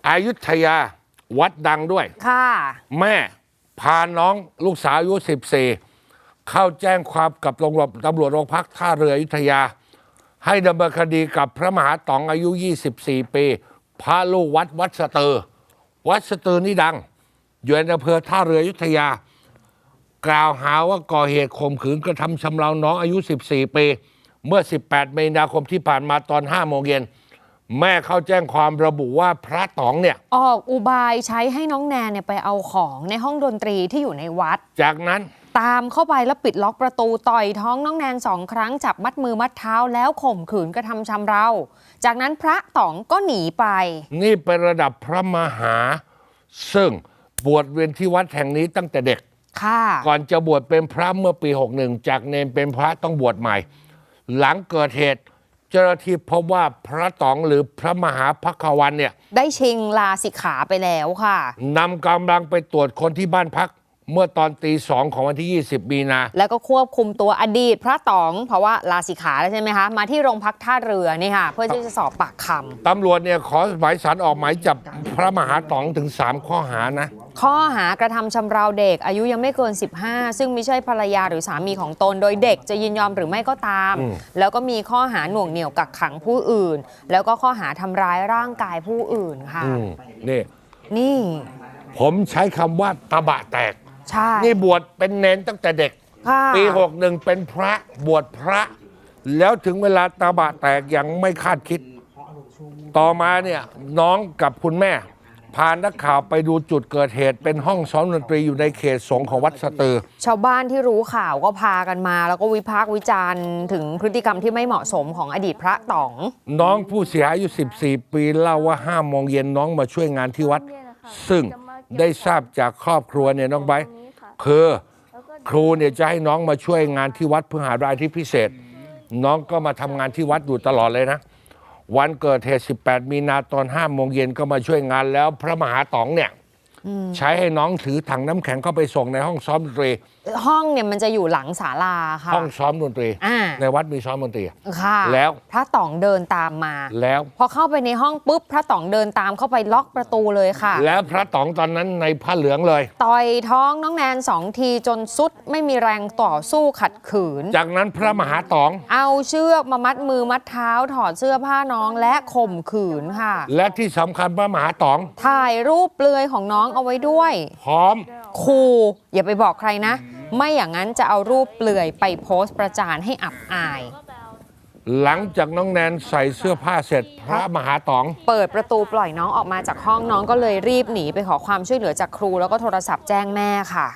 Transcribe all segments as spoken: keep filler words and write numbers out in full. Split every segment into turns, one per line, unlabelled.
อยุธยาวัดดังด้วย
ค่ะ
แม่พาน้องลูกสาวอายุสิบสี่เข้าแจ้งความกับตำรวจตำรวจโรงพักท่าเรืออยุธยาให้ดำเนินคดีกับพระมหาต๋องอายุยี่สิบสี่ปีพระลูกวัดวัดสตือวัดสตือนี่ดังอยู่ในอำเภอท่าเรืออยุธยากล่าวหาว่าก่อเหตุข่มขืนกระทำชำเราน้องอายุสิบสี่ปีเมื่อสิบแปดมีนาคมที่ผ่านมาตอนห้าโมงเย็นแม่เข้าแจ้งความระบุว่าพระต๋องเนี่ย
ออกอุบายใช้ให้น้องแนนเนี่ยไปเอาของในห้องดนตรีที่อยู่ในวัด
จากนั้น
ตามเข้าไปแล้วปิดล็อกประตูต่อยท้องน้องแนนสองครั้งจับมัดมือมัดเท้าแล้วข่มขืนกระทำชำเราจากนั้นพระต๋องก็หนีไป
นี่เป็นระดับพระมหาซึ่งบวชเวียนที่วัดแห่งนี้ตั้งแต่เด็กก่อนจะบวชเป็นพระเมื่อปีหกสิบเอ็ดจากเนรเป็นพระต้องบวชใหม่หลังเกิดเหตุเจ้าหน้าที่พบว่าพระต๋องหรือพระมหาภัควันเนี่ย
ได้ชิงลาสิกขาไปแล้วค่ะ
นำกำลังไปตรวจคนที่บ้านพักเมื่อตอนตีสองของวันที่ยี่สิบมีนา
แล้วก็ควบคุมตัวอดีตพระต๋องเพราะว่าลาสิกขาแล้วใช่ไหมคะมาที่โรงพักท่าเรือนี่ค่ะเพื่อที่จะสอบปากคำ
ตำรวจเนี่ยขอหมายสารออกหมายจับพระมหาต๋องถึงสามข้อหานะ
ข้อหากระทำชำเราเด็กอายุยังไม่เกินสิบห้าซึ่งไม่ใช่ภรรยาหรือสามีของตนโดยเด็กจะยินยอมหรือไม่ก็ตามแล้วก็มีข้อหาหน่วงเหนี่ยวกักขังผู้อื่นแล้วก็ข้อหาทำร้ายร่างกายผู้อื่นค่ะ
นี่
นี่
ผมใช้คำว่าตะบะแตก
ใช่
นี่บวชเป็นเนนตั้งแต่เด็กปีหกสิบเอ็ดเป็นพระบวชพระแล้วถึงเวลาตาบะแตกอย่างไม่คาดคิดต่อมาเนี่ยน้องกับคุณแม่พานักข่าวไปดูจุดเกิดเหตุเป็นห้องซ้อมดนตรีอยู่ในเขตสงฆ์ของวัดสตือ
ชาวบ้านที่รู้ข่าวก็พากันมาแล้วก็วิพากษ์วิจารณ์ถึงพฤติกรรมที่ไม่เหมาะสมของอดีตพระต๋อง
น้องผู้เสียหายอายุสิบสี่ปีเล่าว่าห้าโมงเย็นน้องมาช่วยงานที่วัดซึ่งได้ทราบจากครอบครัวเนี่ยน้องไบร์ทคือครูเนี่ยจะให้น้องมาช่วยงานที่วัดเพื่อหารายที่พิเศษน้องก็มาทำงานที่วัดอยู่ตลอดเลยนะวันเกิดเหตุสิบแปดมีนาตอนห้าโมงเย็นก็มาช่วยงานแล้วพระมหาต๋องเนี่ยใช้ให้น้องถือถังน้ำแข็งเข้าไปส่งในห้องซ้อมดนตรี
ห้องเนี่ยมันจะอยู่หลังศาลาค่ะ
ห้องซ้อมดนตรีในวัดมีซ้อมดนตรี
ค่ะ
แล้ว
พระต๋องเดินตามมา
แล้ว
พอเข้าไปในห้องปุ๊บพระต๋องเดินตามเข้าไปล็อกประตูเลยค่ะ
แล้วพระต๋องตอนนั้นในผ้าเหลืองเลย
ต่อยท้องน้องแนนสองทีจนสุดไม่มีแรงต่อสู้ขัดขืน
จากนั้นพระมหาต๋อง
เอาเชือกมามัดมือมัดเท้าถอดเสื้อผ้าน้องและข่มขืนค่ะ
และที่สำคัญพระมหาต๋อง
ถ่ายรูปเปลือยของน้องเอาไว้ด้วย
พร้อม
ขู่อย่าไปบอกใครนะไม่อย่างนั้นจะเอารูปเปลือยไปโพสต์ประจานให้อับอาย
หลังจากน้องแนนใส่เสื้อผ้าเสร็จพระมหาต๋อง
เปิดประตูปล่อยน้องออกมาจากห้องน้องก็เลยรีบหนีไปขอความช่วยเหลือจากครูแล้วก็โทรศัพท์แจ้งแม่ค่ะ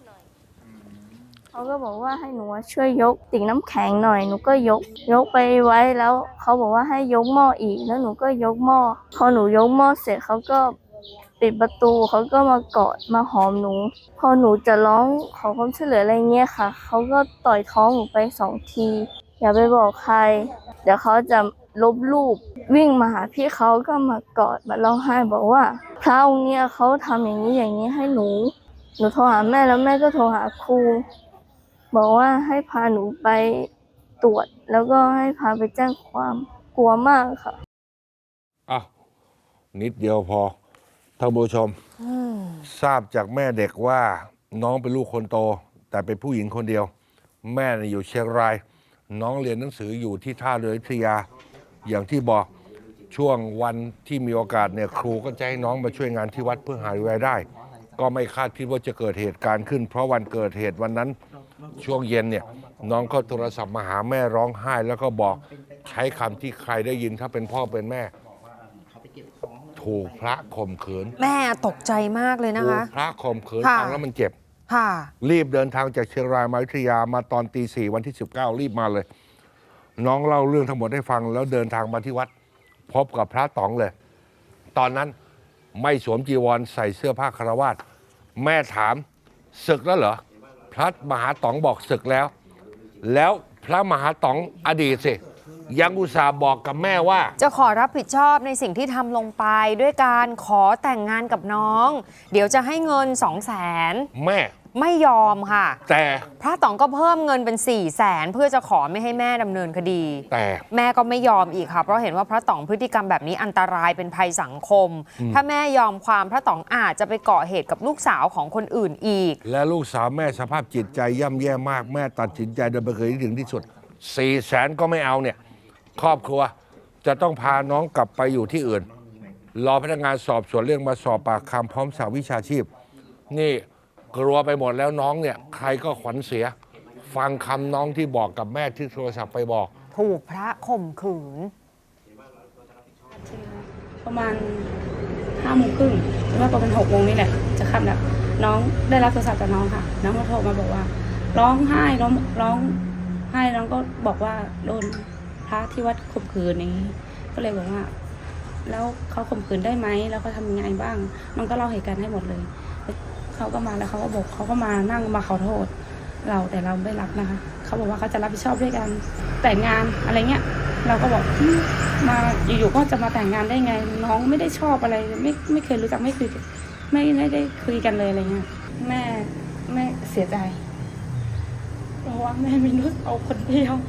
เขาก็บอกว่าให้หนูช่วยยกติ่งน้ำแข็งหน่อยหนูก็ยกยกไปไว้แล้วเขาบอกว่าให้ยกหม้ออีกแล้วหนูก็ยกหม้อพอหนูยกหม้อเสร็จเขาก็ปิดประตูเขาก็มากอดมาหอมหนูพอหนูจะร้องขอความช่วยเหลืออะไรเงี้ยค่ะเขาก็ต่อยท้องหนูไปสองทีอย่าไปบอกใครเดี๋ยวเขาจะลบรูปวิ่งมาหาพี่เขาก็มากอดมาร้องไห้บอกว่าพระองค์เนี่ยเขาทำอย่างนี้อย่างนี้ให้หนูหนูโทรหาแม่แล้วแม่ก็โทรหาครูบอกว่าให้พาหนูไปตรวจแล้วก็ให้พาไปแจ้งความกลัวมากค่ะ
อ่ะนิดเดียวพอท่านผู้ชมทราบจากแม่เด็กว่าน้องเป็นลูกคนโตแต่เป็นผู้หญิงคนเดียวแม่อยู่เชียงรายน้องเรียนหนังสืออยู่ที่ท่าเรืออยุธยาอย่างที่บอกช่วงวันที่มีโอกาสเนี่ยครูก็จะให้น้องมาช่วยงานที่วัดเพื่อหารายได้ก็ไม่คาดคิดว่าจะเกิดเหตุการณ์ขึ้นเพราะวันเกิดเหตุวันนั้นช่วงเย็นเนี่ยน้องก็โทรศัพท์มาหาแม่ร้องไห้แล้วก็บอกใช้คำที่ใครได้ยินถ้าเป็นพ่อเป็นแม่ถูกพระข่มขืน
แม่ตกใจมากเลยนะคะ
ถูกพระข่มขืนฟังแล้วมันเจ็บรีบเดินทางจากเชียงรายมาอยุธยามาตอนตีสี่วันที่สิบเก้ารีบมาเลยน้องเล่าเรื่องทั้งหมดให้ฟังแล้วเดินทางมาที่วัดพบกับพระต๋องเลยตอนนั้นไม่สวมจีวรใส่เสื้อผ้าคฤหัสถ์แม่ถามศึกแล้วเหรอพระมหาต๋องบอกศึกแล้วแล้วพระมหาต๋องอดีตสิยังอุตส่าห์บอกกับแม่ว่า
จะขอรับผิดชอบในสิ่งที่ทำลงไปด้วยการขอแต่งงานกับน้องเดี๋ยวจะให้เงินสองแสน
แม่
ไม่ยอมค่ะ
แต่
พระต๋องก็เพิ่มเงินเป็น4ี่แสนเพื่อจะขอไม่ให้แม่ดำเนินคดี
แต่
แม่ก็ไม่ยอมอีกค่ะเพราะเห็นว่าพระต๋องพฤติกรรมแบบนี้อันตรายเป็นภัยสังคม ถ้าแม่ยอมความพระต๋องอาจจะไปก่อเหตุกับลูกสาวของคนอื่นอีก
และลูกสาวแม่สภาพจิตใจย่ำแย่มากแม่ตัดสินใจเดินไปเคยถึงที่สุดสี่แสนก็ไม่เอาเนี่ยครอบครัวจะต้องพาน้องกลับไปอยู่ที่อื่น รอพนักงานสอบสวนเรื่องมาสอบปากคำพร้อมสาววิชาชีพ นี่กลัวไปหมดแล้วน้องเนี่ยใครก็ขวัญเสีย ฟังคำน้องที่บอกกับแม่ที่โทรศัพท์ไปบอก
ถูกพระข่มขืน
ประมาณห้าโมงครึ่งหรือว่าประมาณหกโมงนี่แหละจะค่ำแล้วน้องได้รับโทรศัพท์จากน้องค่ะน้องมาโทรมาบอกว่า ร้องไห้ร้องร้องไห้น้องก็บอกว่าโดนพระที่วัดข่มขืนนี้ ก็เลยบอกว่า แล้วเขาข่มขืนได้ไหมแล้วเขาทำยังไงบ้าง น้องก็เล่าเหตุการณ์ให้หมดเลยเขาก็มาแล้วเขาก็บอกเขาก็มานั่งมาขอโทษ เราแต่เราไม่รับนะคะเขาบอกว่าเขาจะรับผิดชอบด้วยกันแต่งงานอะไรเงี้ยเราก็บอกอืมมาอยู่ๆก็จะมาแต่งงานได้ไง น้องไม่ได้ชอบอะไรไม่ไม่เคยรู้จักไม่คุยไม่ไม่ได้คุยกันเลยอะไรเงี้ยแม่แม่เสียใจเพราะว่าแม่มีลูกเอาคนเดียว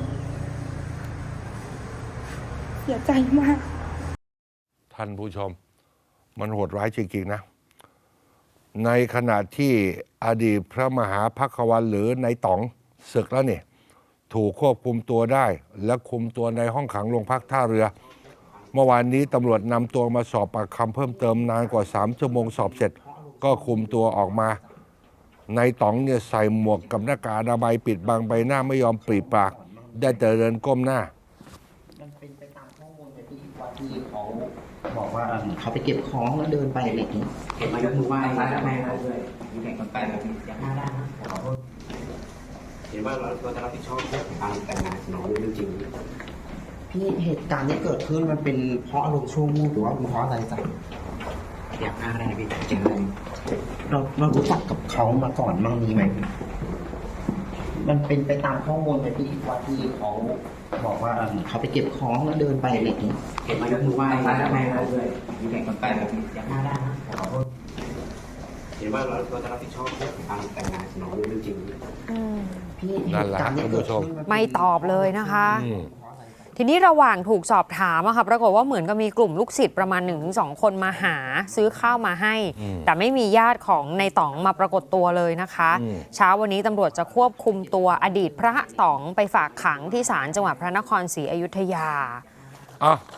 เสียใจมาก
ท่านผู้ชม มันโหดร้ายจริงๆนะ ในขณะที่อดีตพระมหาภักวันหรือในต๋องศึกแล้วเนี่ยถูกควบคุมตัวได้ และคุมตัวในห้องขังโรงพักท่าเรือ เมื่อวานนี้ตำรวจนำตัวมาสอบปากคำเพิ่มเติมนานกว่าสามชั่วโมงสอบเสร็จ ก็คุมตัวออกมา ในต๋องเนี่ยใส่หมวกกับหน้ากากอนามัยปิดบังใบหน้าไม่ยอมปรีปาก ได้แต่เดินก้มหน้า
มันเป็นไปตามข้อมูลที่ว่าที่เขาบอกว่าเออเขาไปเก็บของแล้วเดินไปอะไรอย่างนี้เก็บมายกมือไหว้แม่เขาด้วยมีแต่คนไปแบบนี้อยากหน้าด้านนะขอโทษ
เห็นว่าเราก็จะรับผิดชอบเรื่องของการแต่งงานของน้องจริง
พี่เหตุการณ์ที่เกิดขึ้นมันเป็นเพราะอารมณ์ชั่ววูบหรือว่าเป็นเพราะอะไรจ๊ะ
ๆอยากหน้าได้พี่เจอเลย
เราเรารู้จักกับเขามาก่อนบ้างมีไหมมันเป็นไปตามข้อมูลที่ว่าที่เขาบอกว่าเออเขาไปเก็บของแล้วเดินไปอะไรอย่างนี้
เห็นมายกมือไหว้แม่เขาด้วยมีแต่คนไปแบบนี้อยากหน้าได้นะขอโทษเห็นว่าเราก็จะรับผิดชอบเรื่องของการแต่งงานของน้องจริงๆ
พี่
นั่นแหละ
เหตุการณ์ที่เกิดขึ้นนเป็น
ไม่ตอบเลยนะคะ
อืม
ทีนี้ระหว่างถูกสอบถามอะค่ะปรากฏว่าเหมือนกับมีกลุ่มลูกศิษย์ประมาณ หนึ่งถึงสอง คนมาหาซื้อข้าวมาให้
อืม
แต่ไม่มีญาติของในต๋องมาปรากฏตัวเลยนะคะ
อืม
เช้าวันนี้ตำรวจจะควบคุมตัวอดีตพระต๋องไปฝากขังที่ศาลจังหวัดพระนครศรีอยุธยา
อ่ะ